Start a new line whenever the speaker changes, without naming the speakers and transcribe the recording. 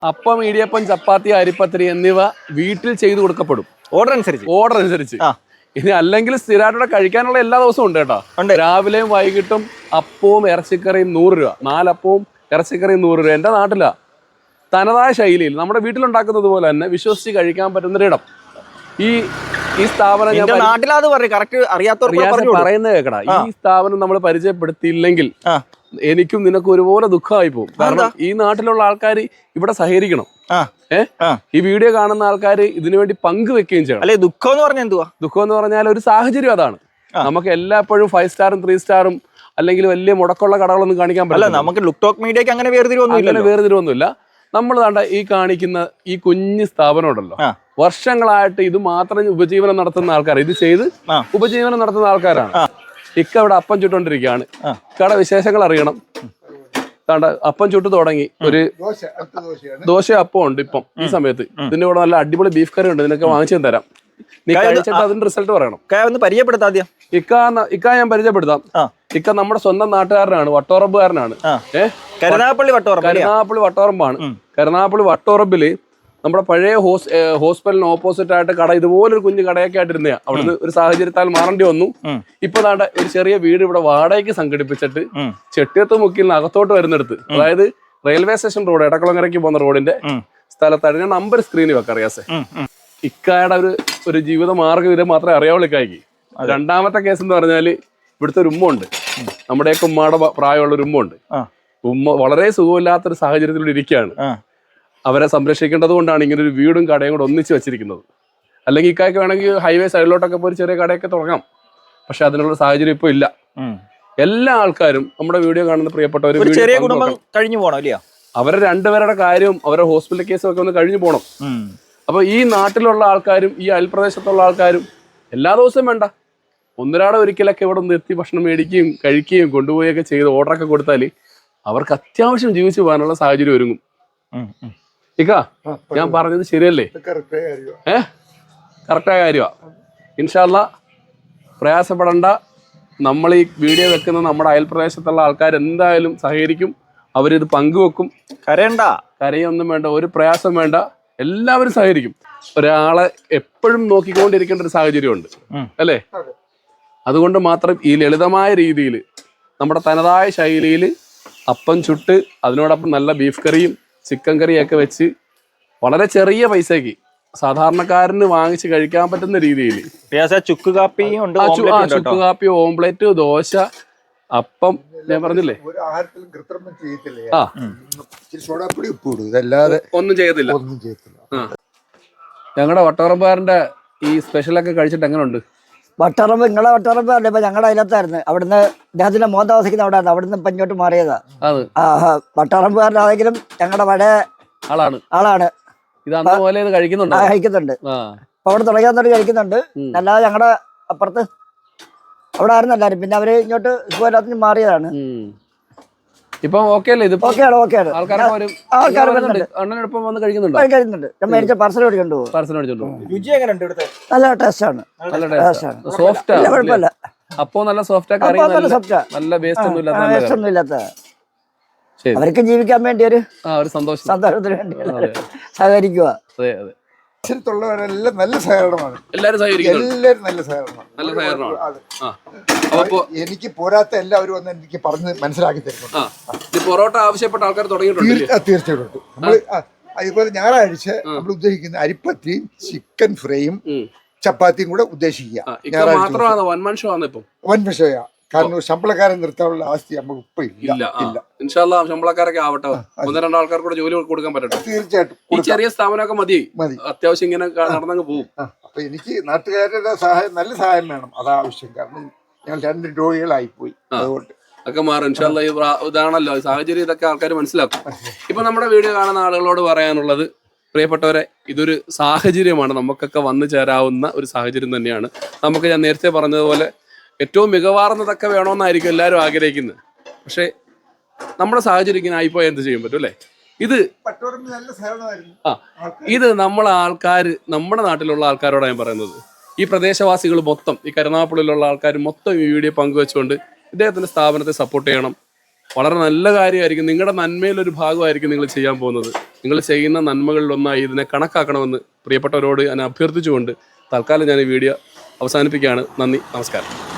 അപ്പം, ഇടിയപ്പം, ചപ്പാത്തി, അരിപ്പത്തിരി എന്നിവ വീട്ടിൽ ചെയ്തു കൊടുക്കപ്പെടും.
ഓർഡർ
അനുസരിച്ച്. ഇനി അല്ലെങ്കിൽ സ്ഥിരമായിട്ട് കഴിക്കാനുള്ള എല്ലാ ദിവസവും ഉണ്ട് കേട്ടോ. രാവിലെയും വൈകിട്ടും അപ്പവും ഇറച്ചിക്കറിയും 100 രൂപ. 4 അപ്പവും ഇറച്ചിക്കറിയും 100 രൂപ. എൻ്റെ നാട്ടിലാ. തനതായ ശൈലിയിൽ നമ്മുടെ വീട്ടിലുണ്ടാക്കുന്നത് പോലെ തന്നെ വിശ്വസിച്ച് കഴിക്കാൻ പറ്റുന്നൊരിടം. ഈ സ്ഥാപനം ഞാൻ പറയുന്നത് കേക്കടാ. ഈ സ്ഥാപനം നമ്മൾ പരിചയപ്പെടുത്തിയില്ലെങ്കിൽ എനിക്കും നിനക്കും ഒരുപോലെ ദുഃഖമായി പോകും. കാരണം ഈ നാട്ടിലുള്ള ആൾക്കാർ ഇവിടെ സഹകരിക്കണം. ഈ വീഡിയോ കാണുന്ന ആൾക്കാർ ഇതിനുവേണ്ടി പങ്കുവെക്കുകയും ചെയ്യണം.
അല്ലെ ദുഃഖം എന്ന് പറഞ്ഞാൽ എന്തുവാ?
ദുഃഖം എന്ന് പറഞ്ഞാൽ ഒരു സാഹചര്യം അതാണ്. നമുക്ക് എല്ലായ്പ്പോഴും 5 സ്റ്റാറും 3 സ്റ്റാറും അല്ലെങ്കിൽ വലിയ മുടക്കമുള്ള കടകളൊന്നും കാണിക്കാൻ പറ്റില്ല.
നമുക്ക് ലുക്ക് ടോക്ക് മീഡിയക്ക് അങ്ങനെ
വേർതിരിവൊന്നുമില്ല. നമ്മൾ കണ്ട ഈ കാണിക്കുന്ന ഈ കുഞ്ഞു സ്ഥാപനം ഉണ്ടല്ലോ, വർഷങ്ങളായിട്ട് ഇത് മാത്രം ഉപജീവനം നടത്തുന്ന ആൾക്കാർ, ഇത് ചെയ്ത് ഉപജീവനം നടത്തുന്ന ആൾക്കാരാണ്. ഇക്ക ഇവിടെ അപ്പം ചുട്ടോണ്ടിരിക്കുകയാണ്. ഇക്കടെ വിശേഷങ്ങൾ അറിയണം. അപ്പം ചുട്ട് തുടങ്ങി. ഒരു ദോശ അപ്പം ഉണ്ട് ഇപ്പം ഈ സമയത്ത്. ഇതിന്റെ കൂടെ നല്ല അടിപൊളി ബീഫ് കറി ഉണ്ട്. നിനക്ക് വാങ്ങിച്ചു തരാം. നീ കഴിച്ചിട്ട് അതിന്റെ റിസൾട്ട് പറയണം.
പരിചയപ്പെടുത്താം.
ഇക്ക ഞാൻ പരിചയപ്പെടുത്താം. ഇക്ക നമ്മുടെ സ്വന്തം നാട്ടുകാരനാണ്, വട്ടോറമ്പുകാരനാണ്.
കരുനാഗപ്പള്ളി
വട്ടോറമ്പാണ്. കരുനാഗപ്പള്ളി വട്ടോറമ്പില് നമ്മുടെ പഴയ ഹോസ്പിറ്റലിന് ഓപ്പോസിറ്റ് ആയിട്ട് കട, ഇതുപോലൊരു കുഞ്ഞു കടയൊക്കെ ആയിട്ടിരുന്ന അവിടുന്ന് ഒരു സാഹചര്യത്താൽ മാറേണ്ടി വന്നു. ഇപ്പൊ ദാണ്ട ഒരു ചെറിയ വീട് ഇവിടെ വാടകയ്ക്ക് സംഘടിപ്പിച്ചിട്ട് ചെട്ടിയത്ത് മുക്കിൽ നിന്ന് അകത്തോട്ട് വരുന്നിടത്ത്, അതായത് റെയിൽവേ സ്റ്റേഷൻ റോഡ്, എടക്കുളങ്ങരയ്ക്ക് പോകുന്ന റോഡിന്റെ സ്ഥലത്താണ്. ഞാൻ നമ്പർ സ്ക്രീനിൽ വെക്കാം. അറിയാസേ ഇക്കായുടെ ഒരു ജീവിത മാർഗ്ഗം ഇത് മാത്രമേ അറിയാവുള്ളൂ ഇക്കായ്ക്ക്. രണ്ടാമത്തെ കേസ് എന്ന് പറഞ്ഞാല് ഇവിടുത്തെ ഒരു ഉമ്മ ഉണ്ട്. നമ്മുടെയൊക്കെ ഉമ്മയുടെ പ്രായമുള്ള ഒരു ഉമ്മ ഉണ്ട്. ഉമ്മ വളരെ സുഖമില്ലാത്തൊരു സാഹചര്യത്തിലൂടെ ഇരിക്കുകയാണ്. അവരെ സംരക്ഷിക്കേണ്ടത് കൊണ്ടാണ് ഇങ്ങനെ ഒരു വീടും കടയും കൂടെ ഒന്നിച്ച് വെച്ചിരിക്കുന്നത്. അല്ലെങ്കിൽ ഇക്കായ്ക്ക് വേണമെങ്കിൽ ഹൈവേ സൈഡിലോട്ടൊക്കെ പോയി ചെറിയ കടയൊക്കെ തുടങ്ങാം. പക്ഷെ അതിനുള്ള സാഹചര്യം ഇപ്പൊ ഇല്ല. എല്ലാ ആൾക്കാരും നമ്മുടെ വീഡിയോ കാണുന്ന പ്രിയപ്പെട്ടവർ
കഴിഞ്ഞു പോകണം.
അവരെ രണ്ടുപേരുടെ കാര്യവും അവരുടെ ഹോസ്പിറ്റൽ കേസും ഒക്കെ ഒന്ന് കഴിഞ്ഞു പോകണം. അപ്പൊ ഈ നാട്ടിലുള്ള ആൾക്കാരും ഈ അയൽപ്രദേശത്തുള്ള ആൾക്കാരും എല്ലാ ദിവസവും വേണ്ട, ഒന്നരാടെ ഒരിക്കലൊക്കെ ഇവിടെ ഒന്ന് എത്തി ഭക്ഷണം മേടിക്കുകയും കഴിക്കുകയും കൊണ്ടുപോയൊക്കെ ചെയ്ത് ഓർഡറൊക്കെ കൊടുത്താൽ അവർക്ക് അത്യാവശ്യം ജീവിച്ചു പോകാനുള്ള സാഹചര്യം ഒരുങ്ങും. ഇക്ക ഞാൻ പറഞ്ഞത് ശരിയല്ലേ? കറക്റ്റായ കാര്യമാണ്. ഇൻഷാ അല്ലാ പ്രയാസപ്പെടണ്ട. നമ്മൾ ഈ വീഡിയോ വെക്കുന്ന നമ്മുടെ അയൽപ്രദേശത്തുള്ള ആൾക്കാർ എന്തായാലും സഹകരിക്കും. അവരിത് പങ്കുവെക്കും. കരയൊന്നും വേണ്ട, ഒരു പ്രയാസം വേണ്ട, എല്ലാവരും സഹകരിക്കും. ഒരാളെ എപ്പോഴും നോക്കിക്കൊണ്ടിരിക്കേണ്ട ഒരു സാഹചര്യമുണ്ട് അല്ലേ? അതുകൊണ്ട് മാത്രം ഈ ലളിതമായ രീതിയിൽ നമ്മുടെ തനതായ ശൈലിയിൽ അപ്പം ചുട്ട് അതിനോടൊപ്പം നല്ല ബീഫ് കറിയും ചിക്കൻ കറിയൊക്കെ വെച്ച് വളരെ ചെറിയ പൈസക്ക് സാധാരണക്കാരന് വാങ്ങിച്ച് കഴിക്കാൻ പറ്റുന്ന രീതിയിൽ
ചുക്ക്
കാപ്പി, ഓംപ്ലേറ്റ്, ദോശ, അപ്പം, ഞാൻ പറഞ്ഞില്ലേ ഒന്നും ചെയ്യത്തില്ല. ഞങ്ങളുടെ വട്ടോറമ്പുകാരന്റെ ഈ സ്പെഷ്യലൊക്കെ കഴിച്ചിട്ട് എങ്ങനെയുണ്ട്?
വട്ടറമ്പ് നിങ്ങളെ വട്ടറമ്പ് അല്ല, ഇപ്പൊ ഞങ്ങളുടെ അതിനകത്തായിരുന്നു. അവിടുന്ന് അദ്ദേഹത്തിന്റെ മോൻ താമസിക്കുന്ന അവിടെ ആയിരുന്നു. ഇപ്പൊ ഇങ്ങോട്ട് മാറിയതാ. വട്ടറമ്പുകാരനാണെങ്കിലും ഞങ്ങളുടെ പഴയ ആളാണ്. കഴിക്കുന്നുണ്ട്. അപ്പൊ അവിടെ തുടങ്ങിയാൽ കഴിക്കുന്നുണ്ട്. അല്ലാതെ ഞങ്ങളുടെ അപ്പുറത്ത് അവിടെ ആയിരുന്നു എല്ലാരും. പിന്നെ അവര് ഇങ്ങോട്ട് സുഖമില്ലാത്ത മാറിയതാണ്.
ഇപ്പം ഓക്കെ അല്ലേ?
കഴിക്കുന്നുണ്ട്. മേടിച്ച പാർസൽ മേടിച്ചോണ്ട് നല്ല ടേസ്റ്റ് ആണ്. കുഴപ്പമില്ല.
അപ്പോ നല്ല സോഫ്റ്റ്, നല്ല വേസ്റ്റ് ഒന്നും
ഇല്ലാത്ത അവർക്ക് ജീവിക്കാൻ വേണ്ടി ഒരു സന്തോഷത്തിന് വേണ്ടി സഹകരിക്കുക.
ുള്ളവരെല്ലാം നല്ല സഹകരണമാണ്.
എല്ലാവരും
നല്ല സഹകരണമാണ്. എനിക്ക് പോരാത്ത എല്ലാവരും വന്ന് എനിക്ക് പറഞ്ഞ് മനസ്സിലാക്കി തരുന്നുണ്ട്.
പൊറോട്ട ആവശ്യപ്പെട്ട ആൾക്കാർ തുടങ്ങിയിട്ടുണ്ട്.
തീർച്ചയായിട്ടും. നമ്മൾ അതുപോലെ ഞായറാഴ്ച നമ്മൾ ഉദ്ദേശിക്കുന്ന അരിപ്പത്തിയും ചിക്കൻ ഫ്രൈയും ചപ്പാത്തിയും കൂടെ ഉദ്ദേശിക്കുക. വൻ ഷോയാ. കാരണം ശമ്പളക്കാരൻ നിർത്താനുള്ള അവസ്ഥ നമുക്ക് ഇപ്പൊ ഇല്ല.
ഇൻഷാല്ലാ ശമ്പളക്കാരൊക്കെ ആവട്ടെ, 1-2 ആൾക്കാർക്ക് കൂടെ ജോലി കൊടുക്കാൻ പറ്റട്ടെ.
തീർച്ചയായിട്ടും.
ഈ ചെറിയ സ്ഥാപനമൊക്കെ മതി, അത്യാവശ്യം ഇങ്ങനെ നടന്നങ്ങ് പോകും.
അപ്പൊ എനിക്ക് നാട്ടുകാരുടെ സഹായം, നല്ല സഹായം വേണം, അതാവശ്യം. കാരണം ഞങ്ങൾ 2 രോഗികളായിപ്പോയി. അതുകൊണ്ട്
ഒക്കെ മാറും ഇൻഷാല്ലാ. ഇതാണല്ലോ സാഹചര്യം, ഇതൊക്കെ ആൾക്കാർ മനസ്സിലാക്കും. ഇപ്പൊ നമ്മുടെ വീഡിയോ കാണുന്ന ആളുകളോട് പറയാനുള്ളത്, പ്രിയപ്പെട്ടവരെ, ഇതൊരു സാഹചര്യമാണ്. നമുക്കൊക്കെ വന്നു ചേരാവുന്ന ഒരു സാഹചര്യം തന്നെയാണ്. നമുക്ക് ഞാൻ നേരത്തെ പറഞ്ഞതുപോലെ ഏറ്റവും മികവാർന്നതൊക്കെ വേണമെന്നായിരിക്കും എല്ലാവരും ആഗ്രഹിക്കുന്നത്. പക്ഷെ നമ്മുടെ സാഹചര്യം ഇങ്ങനെ ആയിപ്പോയാൽ എന്ത് ചെയ്യാൻ പറ്റും അല്ലേ? ഇത് നമ്മുടെ ആൾക്കാർ, നമ്മുടെ നാട്ടിലുള്ള ആൾക്കാരോടാണ് ഞാൻ പറയുന്നത്. ഈ പ്രദേശവാസികൾ മൊത്തം, ഈ കരുനാഗപ്പള്ളിയിലുള്ള ആൾക്കാർ മൊത്തം ഈ വീഡിയോ പങ്കുവെച്ചുകൊണ്ട് ഇദ്ദേഹത്തിന്റെ സ്ഥാപനത്തെ സപ്പോർട്ട് ചെയ്യണം. വളരെ നല്ല കാര്യമായിരിക്കും. നിങ്ങളുടെ നന്മയിലൊരു ഭാഗമായിരിക്കും നിങ്ങൾ ചെയ്യാൻ പോകുന്നത്. നിങ്ങൾ ചെയ്യുന്ന നന്മകളിലൊന്നായി ഇതിനെ കണക്കാക്കണമെന്ന് പ്രിയപ്പെട്ടവരോട് ഞാൻ അഭ്യർത്ഥിച്ചുകൊണ്ട് തൽക്കാലം ഞാൻ ഈ വീഡിയോ അവസാനിപ്പിക്കുകയാണ്. നന്ദി, നമസ്കാരം.